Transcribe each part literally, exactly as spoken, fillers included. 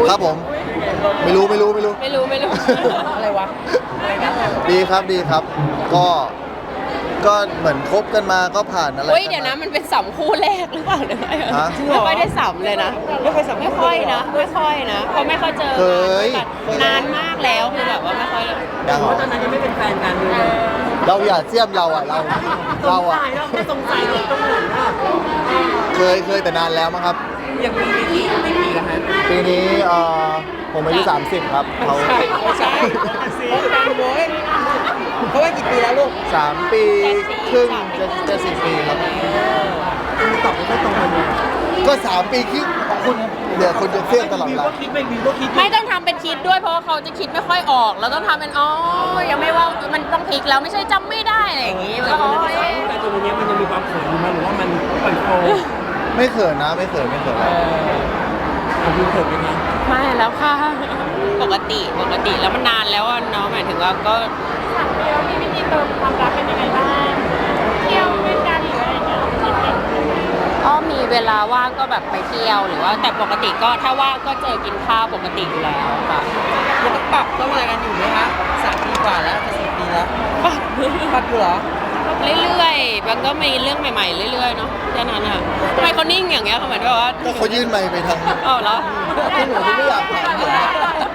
ครับผมไม่รู้ไม่รู้ไม่รู้ไม่รู้ไม่รู้อะไรวะดีครับดีครับ ก็ก็เหมือนคบกันมาก็ผ่านอะไรเฮ้ยกัเดี๋ยวมานะมันเป็นสัมคู่แรกหรือเปล่าเนี่ยฮะไม่ค่อยได้สัมเลยนะไม่เคยสัมภาไม่ษณ์ค่อยนะไม่ค่อยนะเพราะไม่ค่อยเจอเคยกันนานมากแล้วคือแบบว่าไม่ค่อยยังเพราะตอนนั้นยังไม่เป็นแฟนกันเลยเราอย่าเสียมเราอ่ะเราเราอ่ะเราแค่สงสัยเราต้องหนุนว่าเคยเคยแต่นานแล้วมั้งครับอย่างปีนี้ไม่ปีละฮะปีนี้เอ่อผมอายุสามสิบครับเขาใช่ใช่คบกันโว้ยเพราะว่ากี่ปีแล้วลูกสามปีครึ่งจะจะสี่ปีครับตอบไม่ค่อยตรงกันเลยก็สามปีครึ่งของคุณเดี๋ยวคุณจะเสี้ยมตลอดเววิวลาก็คิดไม่วิวก็คิดไม่ต้องทำเป็นคิดด้วยเพราะว่าเขาจะคิดไม่ค่อยออกแล้วต้องทำเป็นอ๋อยังไม่ว่ามันต้องพลิกแล้วไม่ใช่จำไม่ได้อะไรอย่างงี้แต่แล้ววัอ๋นอนั้นเอ๊ะแต่ตัวนี้มันยังมีความเขินอยู่มั้ยหรือว่ามันปล่อยโฟล์ไม่เขินนะไม่เขินไม่เขินผมดูเขินไหมคะไม่แล้วค่ะปกติปกติแล้วมันนานแล้วอะเนาะหมายถึงว่าก็สามปีแล้วมีวิธีเติมความรักเป็นยังไงบ้างเที่ยวด้วยกันหรืออะไรเงี้ยก็มีเวลาว่างก็แบบไปเที่ยวหรือว่าแต่ปกติก็ถ้าว่างก็เจอกินข้าวปกติอยู่แล้วค่ะยังต้องปรับต้องอะไรกันอยู่ไหมคะสามปีกว่าแล้วจะสี่ปีแล้วปรับอยู่เหรอเรื่อยๆมันก็มีเรื่องใหม่ๆเรื่อยๆเนาะแค่นั้นอ่ะทำไมเขานิ่งอย่างเงี้ยเขาเหมือนแบบว่าก็เขายื่นไมค์ไปทางอ๋อเหรอที่หนูไม่อยากถามผมนะ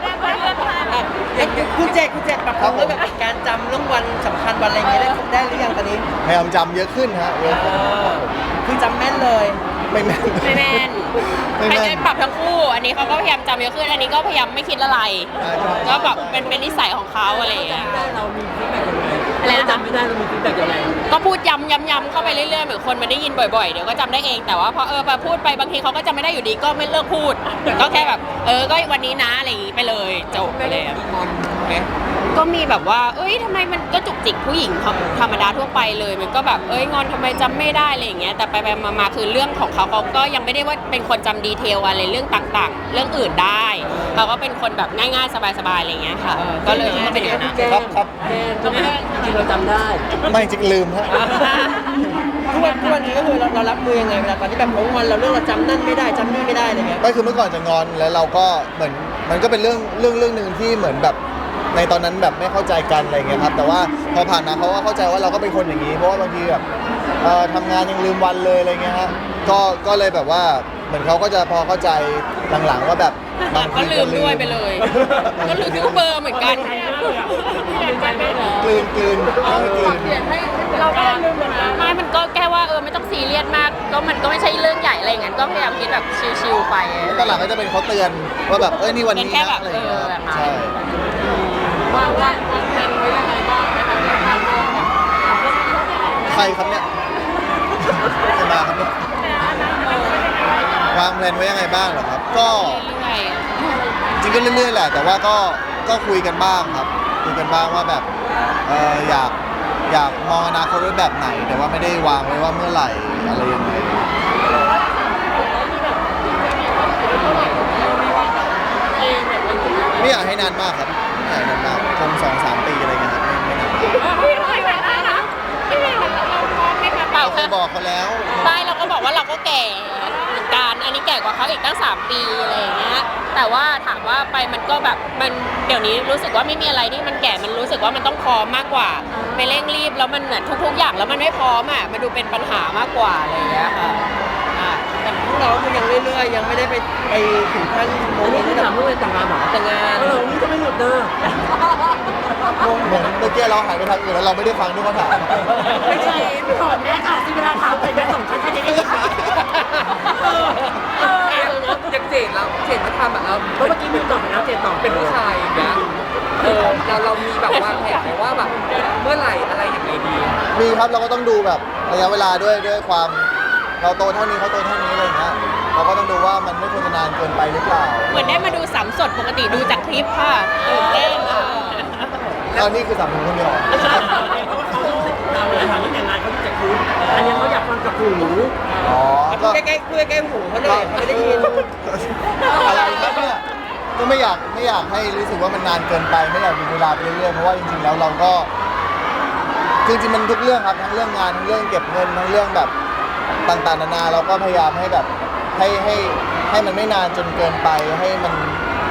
คุณเจคุณเจปรับปรุงเรื่องแบบการจำเรื่องวันสำคัญวันอะไรอย่างเงี้ยได้ได้หรือยังตอนนี้พยายามจำเยอะขึ้นฮะเยอะขึ้นคือจำแม่นเลยไม่แม่นไม่แม่นไม่ให้แม่ได้นปรับทั้งคู่ อันนี้เขาก็พยายามจำเยอะขึ้นอันนี้ก็พยายามไม่คิดอะไรใช่ใช่ก็แบบเป็นเป็นนิสัยของเขาอะไรอย่างเงี้ยได้เรามีฟีดแบ็กยังไงอะไรนะคะจำไม่ได้เรามีฟีดแบ็กยังไงก็พูดย้ำย้ำย้ำเข้าไปเรื่อยๆเหมือนคนมันได้ยินบ่อยๆเดี๋ยวก็จำได้เองแต่ว่าพอเออพอพูดไปบางทีเขาก็จำไม่ได้อยู่ดีก็ไม่เลิกพูด ก็แค่แบบเออก็วันนี้นะอะไรอย่างงี้ไปเลยจบไปเลยอะมีงอนไหมก็มีแบบว่า เอ้ยทำไมมันก็จุกจิกผู้หญิงธรรมดาทั่วไปเลย มันก็แบบ เอ้ยงอนทำไมจำไม่ได้อะไรอย่างเงี้ย แต่ไปไปมาๆคือเรื่องของเขาเขาก็ยังไม่ได้ว่าเป็นคนจำดีเทลอะไรเรื่องต่างๆ เรื่องอื่นได้ เขาก็เป็นคนแบบง่ายๆ สบายๆ อะไรอย่างเงี้ยค่ะ ก็เลยก็เป็นอย่างนั้นครับครับแม่จำได้จริงๆเราจำได้ไม่จริงลืมฮะทุกวันทุกวันนี้ก็คือเราเรารับมือยังไงเวลาตอนที่แบบของวันเราเรื่องเราจำนั่นไม่ได้จำนี่ไม่ได้อะไรเงี้ยไม่คือเมื่อก่อนจะงอนแล้วเราก็เหมือนมันก็เป็นเรื่องเรื่องเรื่องหนึ่งที่เหมือนแบบในตอนนั้นแบบไม่เข้าใจกันอะไรเงี้ยครับแต่ว่าพอผ่านมาเขาก็เข้าใจว่าเราก็เป็นคนอย่างนี้ เพราะว่าบางทีแบบเอ่อทำงานยังลืมวันเลยอะไรเงี้ยฮะก็ก็เลยแบบว่าเหมือนเขาก็จะพอเข้าใจหลังๆว่าแบบบางก็ทีลืมด้วยไปเลย ก็ลืมทุกเบอร์เหมือนกันกลืนกลืนกลืนเราก็ลืมเหมือนกันไม่มันก็แค่ว่าเออไม่ต้องซีเรียสมาก ก็มันก็ไม่ใช่เรื่องใหญ่อะไรอย่างนั้นก็พยายามคิดแบบชิลๆไปตอนหลังก็จะเป็นเขาเตือนว่าแบบเอ้ยนี่วันนี้เป็นแค่นะแบบอะไรอย่างเงี้ยเออแบบนั้นใช่ว่าว่าเป็นไว้ยังไงบ้างนะคะใครครับเนี่ยใครมาครับเนี่ยวางแผนไว้ยังไงบ้างเหรอครับ ก็เรื่อยจริงก็เรื่อยๆแหละ แต่ว่าก็ก็คุยกันบ้างครับคุยกันบ้างว่าแบบเอออยากอยากมองอนาคตไว้แบบไหน แต่ว่าไม่ได้วางไว้ว่าเมื่อไหร่อะไรยังไงไม่อยากให้นานมากครับไม่อยากให้นานมากคงสองสามปีอะไรเงี้ยครับไม่ไม่นานพี่ไม่ไหวแล้วนะพี่ไม่ไหวแล้วเราพร้อมไหมคะเปล่าเราเคค่ะยบอกเขาแล้วใช่เราก็บอกว่าเราก็แก่เหมือนกันอันนี้แก่กว่าเขาอีกตั้งสามปีอะไรอย่างเงี้ยแต่ว่าถามว่าไปมันก็แบบมันเดี๋ยวนี้รู้สึกว่าไม่มีอะไรที่มันแก่มันรู้สึกว่ามันต้องพร้อมมากกว่าไปเร่งรีบแล้วมันเหมือนทุกๆอย่างแล้วมันไม่พร้อมอ่ะมันดูเป็นปัญหามากกว่าอะไรอย่างเงี้ยค่ะอ่ะแต่พวกเราก็ยังเรื่อยๆยังไม่ได้ไปไปถึงขั้นโมเมนต์ที่ถามเรื่องแต่งงานหรอแต่งงานเออนี่จะไม่หลุดเด้อเหมือนเมื่อกี้เราหายไปทางอื่นแล้วเราไม่ได้ฟังทุกคำถามไม่ใช่ไม่ถอดแม่ค่ะที่เวลาถามไปแม่ส่งฉันจะได้ยินเออเอออย่างเจดแล้วเจดมาทำแบบเราเมื่อกี้มีตอบไปแล้วเจดตอบเป็นผู้ชายอย่างเงี้ยเออเราเรามีแบบวางแผนไหมว่าแบบเมื่อไหร่อะไรอย่างไรดีมีครับเราก็ต้องดูแบบระยะเวลาด้วยด้วยความเราโตเท่านี้เขาโตเท่านี้อะไรอย่างเงี้ยเราก็ต้องดูว่ามันไม่ควรจะนานเกินไปหรือเปล่าเหมือนได้มาดูสามสดปกติดูจากคลิปค่ะตื่นเต้นอ่ะตอนนี้คือสามคนคนเดียวเราเลยถามว่าแต่งงานเขาจะคุ้นอันนี้เขาอยากฟังกับหูอ๋อก็ก็ใกล้ๆคุยใกล้หูเขาเลยเขาไม่ได้ยินอะไรครับเนี่ยก็ไม่อยากไม่อยากให้รู้สึกว่ามันนานเกินไปไม่อยากมีเวลาไปเรื่อยๆเพราะว่าจริงๆแล้วเราก็จริงๆมันทุกเรื่องครับทั้งเรื่องงานทั้งเรื่องเก็บเงินทั้งเรื่องแบบต่างๆนานาเราก็พยายามให้แบบให้ให้ให้มันไม่นานจนเกินไปให้มัน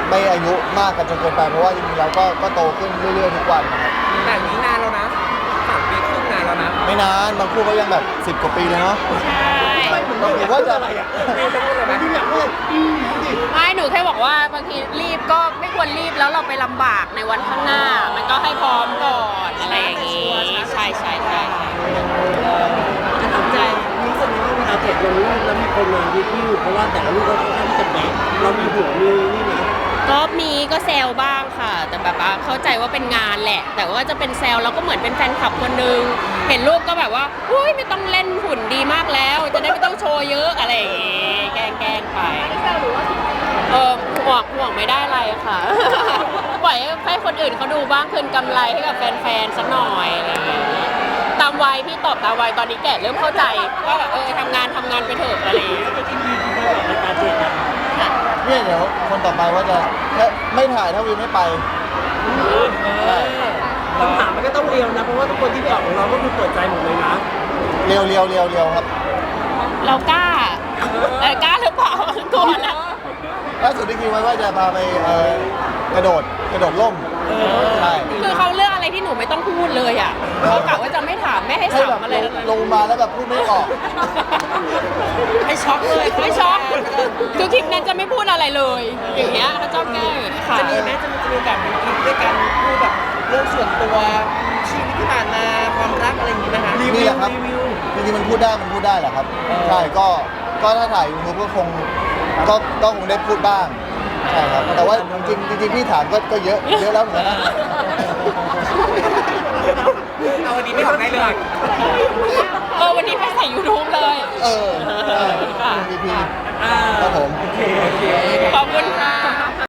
ไม่อายุมากกันจนเกินไปเพราะว่าจริงๆเราก็ก็โตขึ้นเรื่อยๆทุกวันนะครับแต่นี้นานแล้วนะสามปีครึ่งนานแล้วนะไม่นานบางคู่ก็ยังแบบสิบกว่าปีเลยเนาะใช่หรือว่าจะมีจะพูดอะไรไหมไม่หนูแค่บอกว่าบางทีรีบก็ไม่ควรรีบแล้วเราไปลำบากในวันข้างหน้า มันก็ให้พร้อมก่อนอะไรอย่างงี้ ใช่ใช่ใช่จะทำใจรู้สึกว่าเวลาเจ็ดลงรูปแล้วมีคนมาวิวเพราะว่าแต่ละรูปก็ค่อนข้างที่จะเป๊ะเรามีหัวมีนี่นะก็มีก็แซวบ้างค่ะ แต่แบบว่าเข้าใจว่าเป็นงานแหละ แต่ว่าจะเป็นแซวเราก็เหมือนเป็นแฟนคลับคนนึงเห็นรูปก็แบบว่าอุ้ยไม่ต้องเล่นหุ่นดีมากแล้ว จะได้ไม่ต้องโชว์เยอะอะไรอย่างงี้แกล้งแกล้งไปเออห่วงห่วงไม่ได้อะไรค่ะ ปล่อยให้คนอื่นเขาดูบ้างคืนกำไรให้กับแฟนๆสักหน่อยอะไรอย่างเงี้ยตามวัยพี่ตอบตามวัยตอนนี้แก่เริ่มเข้าใจว่าแบบเออทำงานทำงานไปเถอะอะไรอย่างเงี้ยรายการเจ็ดนะเนี่ยเดี๋ยวคนต่อไปว่าจะแค่ไม่ถ่ายถ้าวิวไม่ไปใช่คำถามมันก็ต้องเรียวนะเพราะว่าทุกคนที่ไปออกของเราก็คือเปิดใจหมดเลยนะเรียวเรียวเรียวเรียวครับเรากล้าเออกล้าหรือเปล่า กลัวนะล่าสุดที่คิดไว้ว่าจะพาไปเอ่อกระโดดกระโดดล่มใช่คือเขาเลือกอะไรที่หนูไม่ต้องพูดเลยอ่ะเขากะว่าจะไม่ถามไม่ให้ให้ถาแบมบอะไรลเลงยลงมาแล้วแบบพูดไม่ออกให้ช็อกเลยให้ช็อกคือคลิปนั้นจะไม่พูดอะไรเลย อย่างเงี้ยเขาชอบแกล้งค่ะจะมีไหมจะมีจะมีโอกาสเป็นคลิปด้วยกันพูดแบบเรื่องส่วนตัวชีวิตที่ผ่านมาความรักอะไรอย่างงี้ไหมคะนี่แหละครับจริงๆมันพูดได้มันพูดได้แหละครับใช่ก็ก็ถ้าถ่ายยูทูบก็คงก็ก็คงได้พูดบ้างใช่ครับแต่ว่าจริงๆจริงๆพี่ถามก็ก็เยอะเยอะแล้วเหมือนกันนะเอาวันนี้ไม่ออกได้เลยเออวันนี้ไปใส่ยูทูบเลยเออใช่พีพีครับผมขอบคุณค่ะ